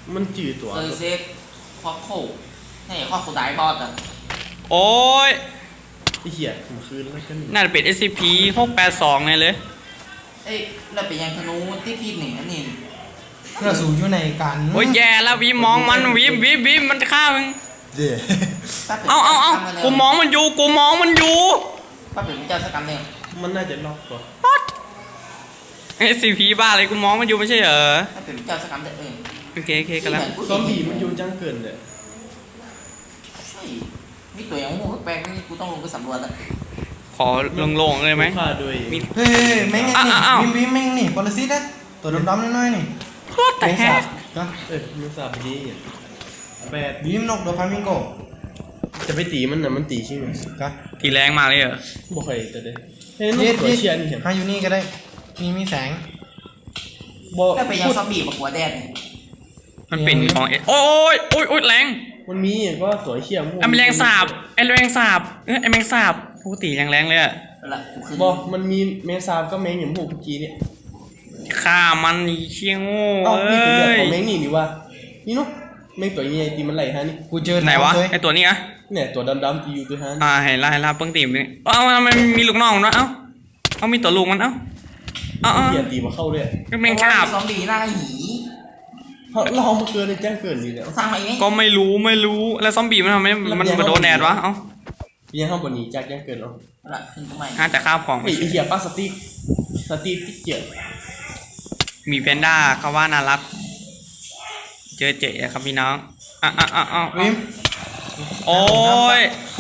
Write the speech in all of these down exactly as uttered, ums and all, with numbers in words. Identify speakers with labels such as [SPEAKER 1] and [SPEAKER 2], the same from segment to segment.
[SPEAKER 1] มันจืดตัว
[SPEAKER 2] เซอร์เซฟคอโคนี่คอโคไดบอสอ่ะ
[SPEAKER 3] โอ้ย
[SPEAKER 1] ไอ้เหี้ยผมคืนแล้วกัน
[SPEAKER 3] น่าจะเป็น เอส ซี พี หกแปดสองไงเลย
[SPEAKER 2] เอ้ยเราเป็นยังธนูที่พีหนึ่งอันนี้
[SPEAKER 4] เราสูงอยู่ในกัน
[SPEAKER 3] โอ้ยแย่แล้ววิมมองมันวิมวิมวิมมันฆ่ามึง
[SPEAKER 4] เดี๋ยว
[SPEAKER 3] เอาเอาเอากูมองมันอยู่กูมองมันอยู่
[SPEAKER 2] ป้าเป็นเจ้าสกัมเนี่ย
[SPEAKER 1] มันน่าจะล็อกตัว
[SPEAKER 3] เอส ซี พี บ้าอะไรกูมองมันอยู่ไม่ใช่เหรอ
[SPEAKER 2] ป้าเป็นเจ้าสกัมเอง
[SPEAKER 3] โอเคโอเคกันแล้ว
[SPEAKER 1] ซอมบี้มันอยู่จังเกินเลย
[SPEAKER 2] ใช่มีตัวอย่างงูแปลกนี่กูต้องลงไปสำรวจอ่ะ
[SPEAKER 3] ขอลงๆเลยไหม
[SPEAKER 4] เฮ้ยแม่งนี่วิมวิมแม่งนี่ปรสิตนะตัวดำๆน้อยๆนี่
[SPEAKER 3] แต่แฮะ
[SPEAKER 1] ก็เออมันสาบดีแปด
[SPEAKER 4] วิมนกโดฟามิงโก
[SPEAKER 1] จะไปตีมันนะมันตีใช่ไหม
[SPEAKER 4] ก็
[SPEAKER 3] ตีแรงมากเลยเหรอ
[SPEAKER 1] บ่เคยแต่เด้เฮ้ยนกตัวเชียร์นี่เห็น
[SPEAKER 4] หาอยู่นี่ก็ได้มีมีแสง
[SPEAKER 2] บ่ถ้าไปยังซอมบี้มาหัวแดด
[SPEAKER 3] มันเป็นของเอโอ้ยโอ้ยโอ้ยแรง
[SPEAKER 1] มันมีก็สวยเชียร์
[SPEAKER 3] ไอ้แมลงสาบไอ้แมลงสาบเออไอ้แมลงสาบปกติยังแรงเลยอะ
[SPEAKER 1] บอกมันมีแมงสาบก็แมงอย่างพวกเมื่อกี้เนี่ย
[SPEAKER 3] ฆ่ามันเชี่ยงโง่
[SPEAKER 1] เอ้ยนี่เป็นเรื่องของแมงนี่นี่ว่านี่เนาะแมงตัวนี้ตีมันไหลฮะนี่
[SPEAKER 4] กูเจอ
[SPEAKER 3] ไหนวะไอตัวนี้อะ
[SPEAKER 1] เนี่ยตัวดำๆที่อยู่ตัวฮะ
[SPEAKER 3] อ่าเห็นละเห็นละเพิ่งตีมันเอ้ามันมีลูกน้องนะเอ้าเอามีตัวลูกมันเอ้าเอ้า
[SPEAKER 1] เดี๋ยวตีมาเข้าด้วย
[SPEAKER 3] ก็แมงสาบ
[SPEAKER 2] ซอมบี้หน้าหี
[SPEAKER 1] เรามาเกินในแจ้งเกินนี่แล้ว
[SPEAKER 2] สร้างมาเอง
[SPEAKER 3] ก็ไม่รู้ไม่รู้แล้วซอมบี้มันทำไมมันมาโดนแดดวะเอ้า
[SPEAKER 1] ยังเข้าบนนี้จากแจ้งเกินเนาะ
[SPEAKER 2] ละขึ้นทำไม
[SPEAKER 3] อ่าแต่ข้าวของ
[SPEAKER 1] ไอ้เหี้ยป้าสติ๊กสติ๊กที่เกี่ยว
[SPEAKER 3] มีแพนด้าเขาว่าน่ารักเจอเจ๊ครับพี่น้องอ่ะอ่ะอ่ะอ่ะ
[SPEAKER 4] วิม
[SPEAKER 3] โอ้ย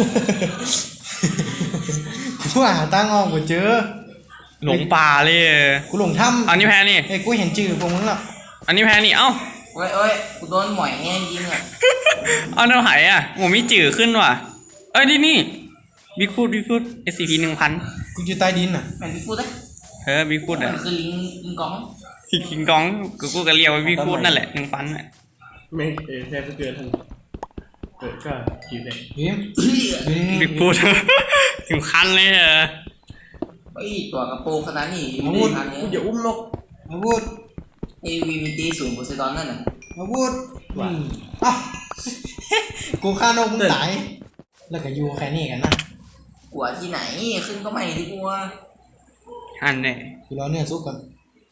[SPEAKER 4] กูหาตั้งออกกูเจอ
[SPEAKER 3] หลงป่าเลย
[SPEAKER 4] กูหลงถ้ำ
[SPEAKER 3] อันนี้แพนนี่
[SPEAKER 4] ไอ้กูเห็นจืดพวกมึงละ
[SPEAKER 3] อันนี้แพนนี่เอ้า
[SPEAKER 2] โอ้ยโอ้ยกูโดนหมอยแง่ยิงอ่ะ
[SPEAKER 3] เอาเนื้อหายอ่ะโหมีจืดขึ้นว่ะเอ้ยนี่นี่บิ๊กฟูดบิ๊กฟูด เอส ซี พี หนึ่งพัน
[SPEAKER 4] กูอยู่ใต้ดินอ่ะ
[SPEAKER 2] แม่บิ๊กฟูดเลย
[SPEAKER 3] เฮ้ยบิ๊กฟูดอ่ะ
[SPEAKER 2] มันคือลิงลิงกอง
[SPEAKER 3] ลิงกองกูกูก็เรียกว่าบิ๊กฟูดนั่นแหละหนึ่งพันอ่ะ
[SPEAKER 1] ไม่เออแค่เกินทันเกิดก็กี่เลย
[SPEAKER 3] บิ๊กฟูดถึงคันเลยเหรอ
[SPEAKER 2] ไอ้ตัวกระโปรงขนาดนี้
[SPEAKER 1] มาพูดกูอย่าอุ้มนก
[SPEAKER 4] มาพูด
[SPEAKER 2] เอวีมีตีสูงโพไซดอนนั่นน่ะ
[SPEAKER 4] มาพูดอ่ะกูฆ่านกมึงตายแล้วก็อยู่แค่นี้กันนะ
[SPEAKER 2] กลัวที่ไหนขึ้นก็ไม่ที่กลัว
[SPEAKER 3] อันเนี่ย
[SPEAKER 4] กูรอเนื้อซุปก่อน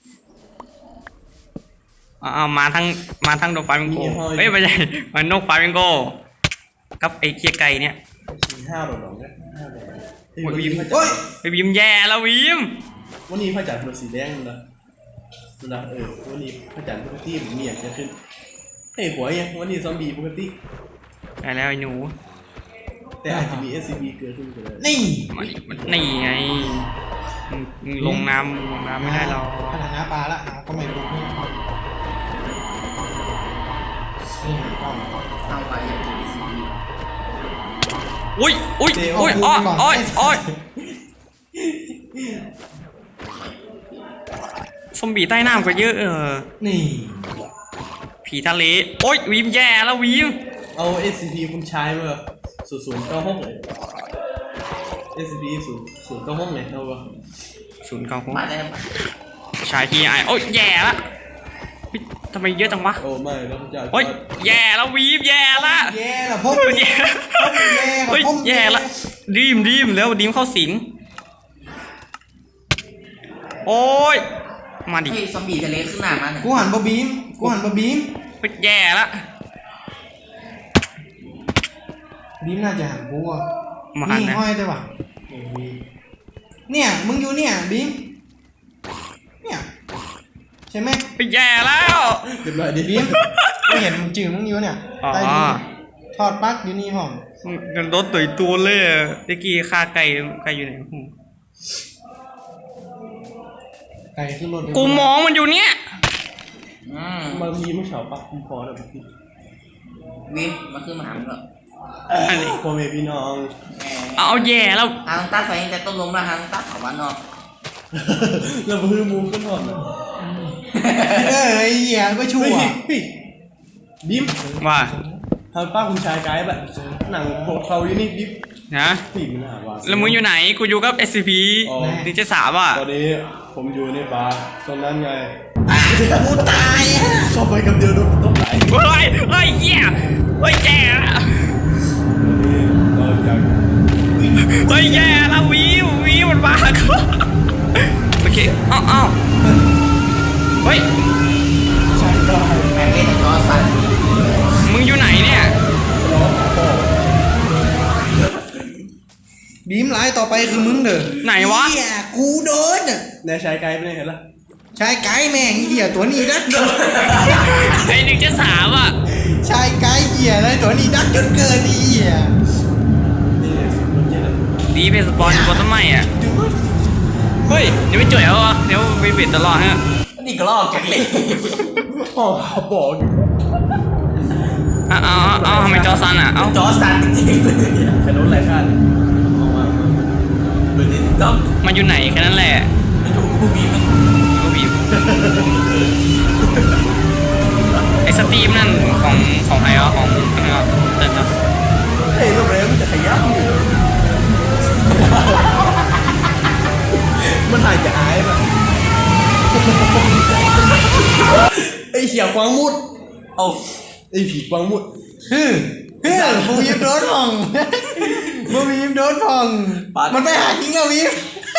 [SPEAKER 3] เอามาทั้งมาทั้งนกฟามิงโกเฮ้ยไม่ใช่มันนกฟามิงโกกับไอ้เคียไก่เนี่ย
[SPEAKER 1] ห้าดอกดอกเนี่ยห้าดอก
[SPEAKER 3] ไอ้วิมเฮ้ยไอ้วิมแย่แล้ววิม
[SPEAKER 1] วันนี้พระจันทร์เป็นสีแดงนะนะเออวันนี้พระจันทร์ปกติมันมีอย่างจะขึ้นเฮ้ยหัวยังวันนี้ซอมบี้ปกติ
[SPEAKER 3] ไปแล้วไอ้หนู
[SPEAKER 1] แต่อาจจะมี เอส ซี บี เกิดขึ้นก็ได้
[SPEAKER 4] นี่
[SPEAKER 3] นี่ไงลงน้ำลงน้ำไม่ได้เรา
[SPEAKER 4] ขนาดน้ำปลาละก็ไม่รู้นี่นี่ก็
[SPEAKER 2] เอาไปอย่าง เอส ซี บี
[SPEAKER 3] อุ้ยอุ้ยอุ้ยอ้อยอ้อยอ้อยซอมบี้ใต้น้ำก็เยอะเออ
[SPEAKER 4] นี่
[SPEAKER 3] ผีทะเลโอ้ยวิมแย่แล้ววิม
[SPEAKER 1] เอา เอส ซี พี คุณใช้เมื่อศูนย์ศูนย์เก้าหกเลย เอส ซี พี ศูนย์ศูนย์เก้าหกเลยเท่ากับ
[SPEAKER 3] ศูนย์เก้าหก
[SPEAKER 2] มาได้
[SPEAKER 3] ชายทีไอโอ้ยแย่ละทำไมเยอะจังวะ
[SPEAKER 1] โอ้ไม่แล้วจะ
[SPEAKER 3] โอ้ยแย่แล้ววีบแย่ละ
[SPEAKER 4] แย่ละพบ
[SPEAKER 3] แย่เฮ้ยแย่ละดีมดีมแล้วดีมเข้าสิงโอ้ยมาดิ
[SPEAKER 2] เฮ้ยซอมบี้ทะเลขึ้นหน้ามาเนี่ย
[SPEAKER 4] กูหันบะบีมกูหันบะบีม
[SPEAKER 3] แย่ละ
[SPEAKER 4] บีมน่าจะหันกูอ่ะนี่ห้อยได้ป่ะเนี่ยมึงอยู่เนี่ยบีมเนี่ยใช่ไหม
[SPEAKER 3] ไปแย่แล้ว
[SPEAKER 1] เดี๋ยวดิ
[SPEAKER 4] บีมไม่เห็นมึงจืดมึงอยู่เนี่ยใต้ดินทอดปักอยู่นี่ผม
[SPEAKER 3] กันรถตุ๋ยตัวเลยตะกี้ฆ่าไก่ไก่อยู่ไหน
[SPEAKER 4] ไก่ขึ้นรถ
[SPEAKER 3] กูมองมันอยู่เนี่ย
[SPEAKER 1] มันมีไม่เฉาปักคุณพอแล้วพี่
[SPEAKER 2] วิมมาขึ้นมาหามึงหรอ
[SPEAKER 1] พ่อแม่พี่น้อง
[SPEAKER 3] เอาแย่แล้ว
[SPEAKER 2] ทางตาใส่แต่ต้นลมแล้วทางตาเขาวันนอก
[SPEAKER 1] เราพื้นมุมขึ้นหมด
[SPEAKER 4] เอ้ยเหี้ยไม่ชั่ว
[SPEAKER 1] บิ๊ม
[SPEAKER 3] ว่า
[SPEAKER 1] ทางป้าคุณชายไกด์แบบหนังโบกเขาอยู่นี่บิ๊ม
[SPEAKER 3] นะแล้วมึงอยู่ไหนกูอยู่กับ เอส ซี พี ดิจิสามอ่ะ
[SPEAKER 1] ตอนนี้ผมอยู่ในบาร์ตรงนั้นไง
[SPEAKER 4] กูตายอ่ะ
[SPEAKER 1] เข้าไปอยกับเดียวโดนต้องไหล
[SPEAKER 3] เฮ้ยเฮ้ยเหี้ยเฮ้ยแย่
[SPEAKER 1] เราจะ
[SPEAKER 3] เฮ้ยแย่แล้ววีวีมันมาโอเคอ้าวอ้าวเฮ้ย
[SPEAKER 1] ใช้ได้
[SPEAKER 2] แม่งเล่นแต่จอสั่น
[SPEAKER 3] มึงอยู่ไหนเนี่ย
[SPEAKER 1] ร้องพ่อ
[SPEAKER 4] บีมไลน์ต่อไปคือมึงเด้อ
[SPEAKER 3] ไหนวะ
[SPEAKER 4] เหี้ยกูโดนอ่ะ
[SPEAKER 1] แน่ใช้ไกด์ไม่ได้เห็นละ
[SPEAKER 4] ชายไก่แม่งเหี้ยตัวนี้ดัก
[SPEAKER 3] ไอหนึ่งจะสามอ่ะ
[SPEAKER 4] ชายไก่เหี้ยอะไรตัวนี้ดักจนเกินไอ้เหี้ย
[SPEAKER 1] นี่สิบคนเจ็ดละ
[SPEAKER 3] ดีเพสปอนอยู่บนต้นไม้อ่ะเฮ้ยเดี๋ยวไปจ่วยเอาวะเดี๋ยวไปเบ็ดตลอดฮะ
[SPEAKER 2] นี่ก็ลอกจากเลย
[SPEAKER 1] พ่อบอกอยู่
[SPEAKER 3] อ้าวอ้าวอ้าวทำไมจอซันอ่ะเอ้า
[SPEAKER 2] จอสั่นจริงๆเลย
[SPEAKER 1] ใครโดนไหลข้างออกมา
[SPEAKER 2] เบอร์ที่ต้อง
[SPEAKER 3] มันอยู่ไหนแค่นั้นแหละ
[SPEAKER 2] ไปดูผู้บีมัน
[SPEAKER 3] ก็บีบไอสตรีมนั่นของของใครอ่ะของอะไรอ่ะเติร์นเนาะ
[SPEAKER 1] เฮ้ยโรงแรมมันจะขยับอยู่มันหายจะอายป่ะไอ้เขียวกวางมุด
[SPEAKER 2] เอา
[SPEAKER 1] ไอ้ผีกวางมุด
[SPEAKER 4] ฮึฮึบูบีมโดนพองบูบีมโดนพองมันไปหาทิ้งแล้วบีม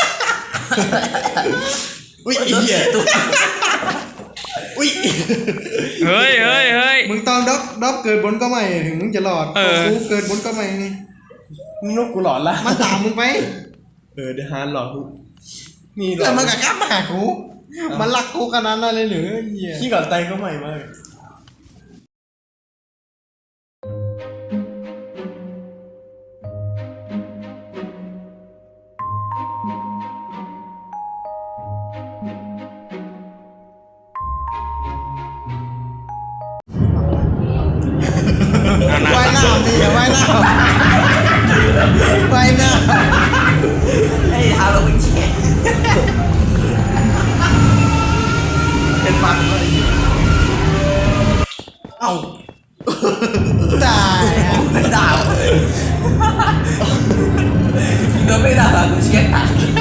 [SPEAKER 1] อุ้ยไอ้เหี้ยอุ้ย
[SPEAKER 3] เฮ้ยเฮ้ยเฮ้ย
[SPEAKER 4] มึงต้องด็อกด็อกเกิดบนก็ไม่ถึงมึงจะหลอด
[SPEAKER 3] เออ
[SPEAKER 4] กูเกิดบนก็ไม่นี่
[SPEAKER 1] มึงนกกูหลอนละ
[SPEAKER 4] มันตามมึงไป
[SPEAKER 1] เออเดี๋ยวฮานหลอนกูนี่หลอ
[SPEAKER 4] แล้ว
[SPEAKER 1] น
[SPEAKER 4] มันก็กลับมาหากูมันรักกูขนาดนั้นเลยหรือเหี้ย
[SPEAKER 1] ขี้ก่อนไตก็ใหม่มาก
[SPEAKER 3] เอาหน้า
[SPEAKER 4] ว่ายน้ำนี่ว่ายน้ำว่ายน้
[SPEAKER 2] ไอ้ทาเราไปแช่เป็นปังเลยเอ้า
[SPEAKER 4] ำตายอะ
[SPEAKER 2] ไม่ด่าเลยโดนไม่ด่ากูเชียร์ตาย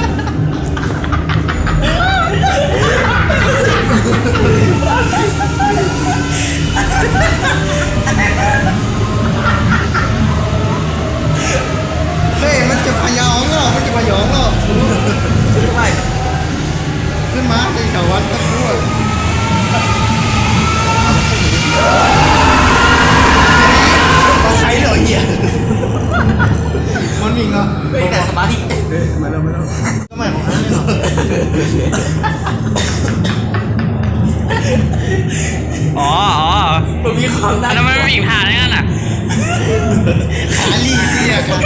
[SPEAKER 4] เฮ้ยมันจะพยองเหรอมันจะพยองเหรอ
[SPEAKER 2] ไม่
[SPEAKER 4] ขึ้นมาสิชาววันก็พูด
[SPEAKER 1] เอาใช้เหรอเหี้ย
[SPEAKER 4] มันวิ่งเหรอ
[SPEAKER 2] ไม่แต่สมาธิ
[SPEAKER 1] เฮ้ยมาแล้วมาแล้ว
[SPEAKER 4] ทำไมของนั้นเหรอ
[SPEAKER 3] อ๋ออ๋อ
[SPEAKER 2] มันมีความน่า
[SPEAKER 3] แล้วมันไม่มีทางนั่นน่ะ
[SPEAKER 4] ขาลีเนี่ยขา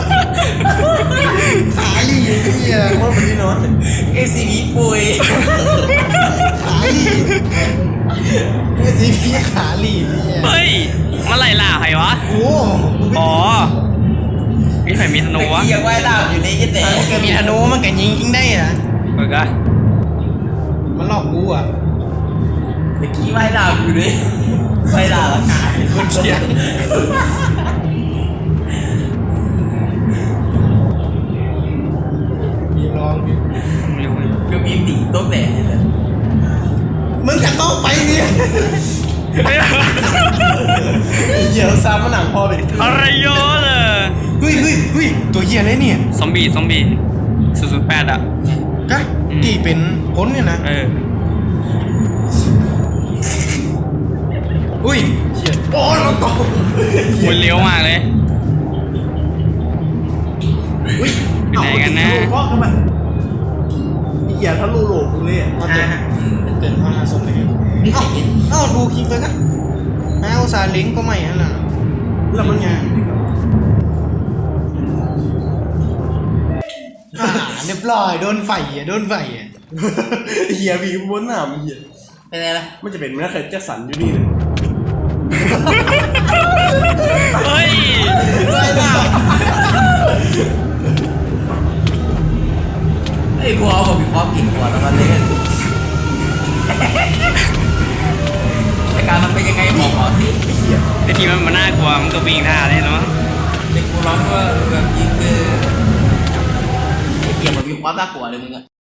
[SPEAKER 4] ขาลีเนี่ย
[SPEAKER 1] ว่ามันที่นอน
[SPEAKER 2] เอซีบีปุย
[SPEAKER 4] ขาลีเมื่อสีพี่ขาลีเนี่ย
[SPEAKER 3] เฮ้ยมันไหลล่าใครวะ
[SPEAKER 4] โอ้
[SPEAKER 3] อ๋อมีใครมีธนูวะ
[SPEAKER 2] ยังไหวล่าอยู่ในยี่เต๋
[SPEAKER 4] มันมีธนูมันก็ยิงยิงได้นะ
[SPEAKER 3] เปิดกัน
[SPEAKER 4] มันหลอกกูอ่ะ
[SPEAKER 2] เมื่อกี้ไหวล่าอยู่เลยไหวล่าละกายคนเชียร์
[SPEAKER 4] มีลองดิ
[SPEAKER 2] ก็มีตีโต๊ะแตกเลย
[SPEAKER 4] มึงจะต้องไปเนี่ย
[SPEAKER 1] เหี้ยซ้ำมันหนังพอเป็น
[SPEAKER 3] อะไรเยอะเลย
[SPEAKER 4] เฮ้ยเฮ้ยเฮ้ยตัวเหี้ยอะไรเนี่ย
[SPEAKER 3] ซอมบี้ซอมบี้ศูนย์ศูนย์แปดอ่ะ
[SPEAKER 4] กะที่เป็นคนเนี่ยนะ
[SPEAKER 3] เออ
[SPEAKER 4] อุ้ย
[SPEAKER 1] เหี้ยโอ้เราตก
[SPEAKER 3] มันเลี้ยวมากเลย
[SPEAKER 1] อุ้ย
[SPEAKER 3] อยู่ไหนกันนะ
[SPEAKER 1] พ่อเข้ามาไอ้เหี้ยทะลุโหลกกูเลยอ่ะ
[SPEAKER 4] มาเกิดเกิดมาสมเลยเอ้าเอ้าถูกคิงเลยกะแมวซาลิงก็ไม่ฮะน่ะ
[SPEAKER 1] แล้วมันไง
[SPEAKER 4] อ่าเรียบร้อยโดนไฟอ่ะโดนไฟอ่ะ
[SPEAKER 1] เหี้ยผีบนหน้ามันเหี้ย
[SPEAKER 2] เป็นไงล่ะ
[SPEAKER 1] มันจะเป็นแม่เคยแจ็คสันอยู่นี่เลย
[SPEAKER 3] เฮ้ย
[SPEAKER 4] ไฟล่ะ
[SPEAKER 2] ไอ้กูเอาแบบมีความเก่งกว่าแล้วมันเล่นแต่การมันเป็นยังไงบอกหมอสิ
[SPEAKER 3] ไอทีมันมันน่ากลัวมันก็วิ่งท่าเลยเนาะ
[SPEAKER 2] เด็กกูร้องว่าแบบยิงคือไอ้เกียร์มันมีความน่ากลัวเลยมึงอะ